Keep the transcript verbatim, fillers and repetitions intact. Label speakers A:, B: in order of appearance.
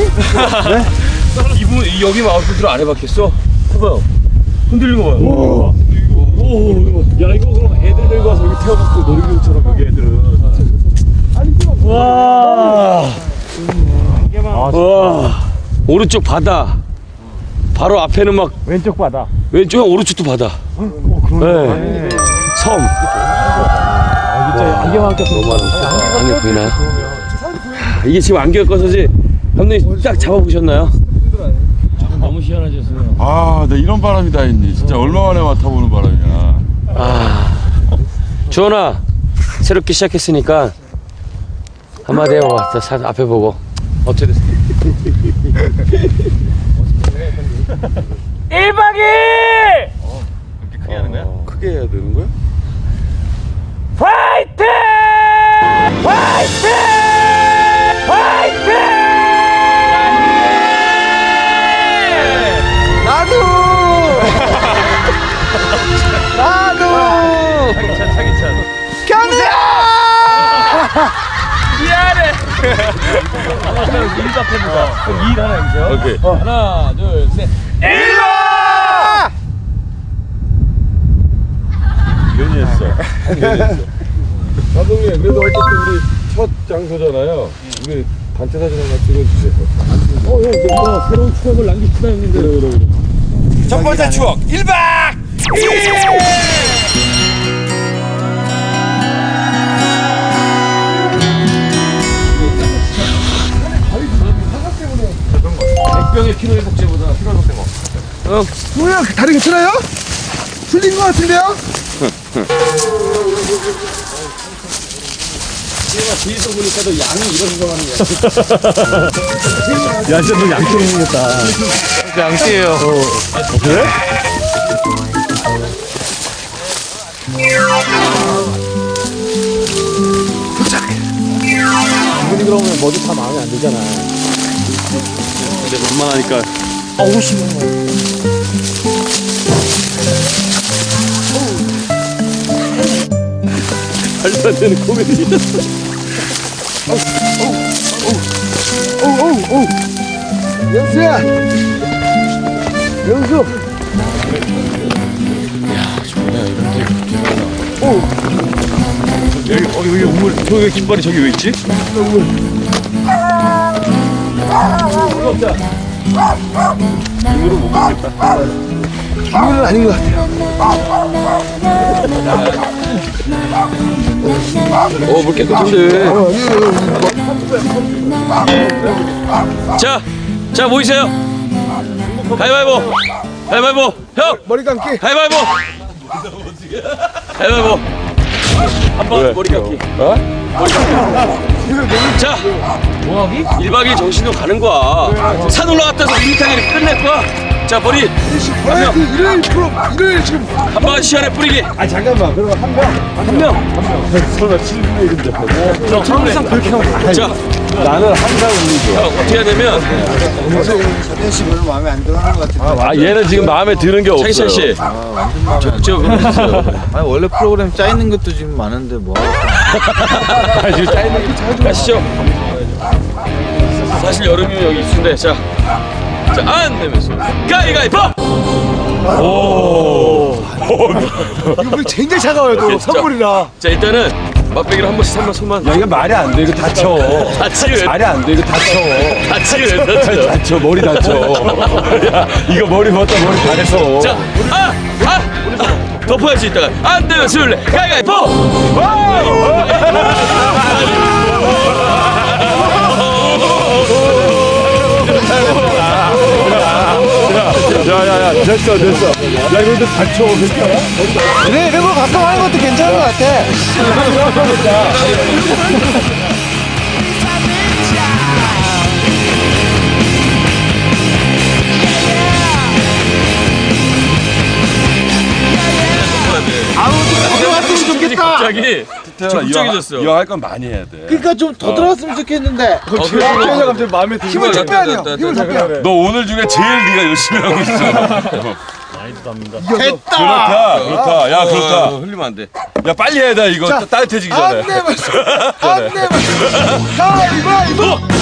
A: 네?
B: 이분 여기 마우스로 안 해봤겠어? 해봐요. 흔들리는 거 봐요.
A: 오, 오, 이거. 야, 이거 그럼 애들 데리고 와서 여기 태워봤어. 놀이기구처럼 여기 애들은. 와. 아,
B: 와. 오른쪽 바다. 바로 앞에는 막
A: 왼쪽 바다.
B: 왼쪽에 오른쪽도 바다.
A: 어, 그러네.
B: 네. 섬.
A: 아, 진짜 안경만 껴서
B: 너무 많아. 안경 보이나요? 이게 지금 안경 꺼서지. 감독님 딱 잡아보셨나요? 너무 시원하셨어요.
C: 아, 나 이런 바람이 다 있니? 진짜 얼마 만에 맡아보는 바람이야.
B: 아, 주원아, 새롭게 시작했으니까 한마디 해봐. 자, 사- 앞에 보고 어떻게 됐어? 일 박 이 일!
C: 어, 그렇게 크게 하는 거야?
B: 크게 해야 되는 거야?
A: 화이팅! 화이팅! 화이팅! 나도! 나도!
B: 차기찬, 차기찬.
A: 견우야!
B: 미안해. 일도 앞에보다. 그럼 일 하나 해주세요.
C: 오케이.
B: 하나, 둘, 셋.
A: 일로!
C: 괜히 했어. 괜히 했어. 감독님, 그래도 어쨌든 우리 첫 장소잖아요. 우리 단체 사진 하나 찍어주세요.
A: 어, 형, 이거 새로운 추억을 남깁시다, 형님들.
C: 그래, 그래, 그래.
B: 첫 번째 추억 일 박 이 일! 백병의 피로 회복제보다 피로 회복제 뭐? 응.
D: 뭐야, 다리 괜찮아요? 풀린 것 같은데요?
B: 뒤에서 보니까 도 양이 이런 거 하는 거야.
A: 야, 진짜 너 양쪽이 생겼다.
B: 양띠예요.
A: 어, 그래? 이분이 그러면 뭐도 다 마음에 안 들잖아.
B: 근데 만만하니까.
A: 어우, 심해.
B: 말도 안 되는 코미디.
D: 오오오 영수야, 영수.
B: 여기, 어, 여기 우물, 저기 깃발이 저기 왜 있지?
D: 이거는 아닌 것 같아요.
B: 어, 물 깨끗한데. 자, 자, 모이세요. 가위바위보. 가위바위보. 형!
D: 머리 감기.
B: 가위바위보. 가위바위보. 한번 머리 감기.
C: 어?
B: 자, 뭐하기? 일 박 이 일 정신으로 가는 거야. 산 올라갔다 와서 밋밋하게 끝낼 거야. 자, 머리
D: 버라이티 일요일 프로 일요일 지금.
B: 한 방 시간에 뿌리기.
A: 아, 잠깐만. 그럼 한 명.
B: 한 명.
A: 설마 칠 분의 일인데.
B: 항상 그렇게 하고. 자,
A: 나는 항상 울리죠.
B: 형, 어떻게 해야 되면
D: 사태 씨 별로 마음에 안 들어하는 것 같은데.
C: 아, 얘는 지금 마음에 드는 게 없어요.
B: 차기찬 씨. 저, 저, 그럼
E: 아니 원래 프로그램 짜 있는 것도 지금 많은데 뭐
C: 아, 지금 짜이는 게 자주
B: 가시죠. 사실 여름이면 여기 있는데 자, 자, 안 내면서 가위가위보.
C: 오.
D: 이거 물 굉장히 차가워요, 또
B: 오케이,
D: 선물이라.
B: 자, 일단은 맛배기로 한 번씩 삼만 손만.
C: 야, 이거 말이 안 돼. 이거 다쳐.
B: 다치게
C: 말이 안 돼. 이거 다쳐.
B: 다치게 됐다.
C: 다쳐. 머리 다쳐. 야, 이거 머리 벗다 머리 다 해서.
B: 자, 아, 아, 덮어야지 이따가. 안 되면 술래 가위가위보.
C: 야야야 됐어 됐어. 야 이거 다쳐.
D: 그래, 이런 거 가끔 하는 것도 괜찮은 것 같아.
B: 들어왔으면 좋겠다. 갑자기 적극적이졌어.
C: 이거 할 건 많이 해야 돼.
D: 그러니까 좀 더 들어왔으면 좋겠는데.
B: 어, 그래.
D: 갑자기 마음에 들어. 힘을 좀 빼야 돼요. 힘을 좀 빼야 돼.
C: 너 오늘 중에 제일 네가 열심히 하고 있어.
D: 됐다.
C: 그렇다 그렇다. 야 그렇다.
B: 어, 흘리면 안 돼.
C: 야 빨리 해야 돼 이거. 따뜻해지기 전에.
D: 안 내면 안 내면 가위바위보.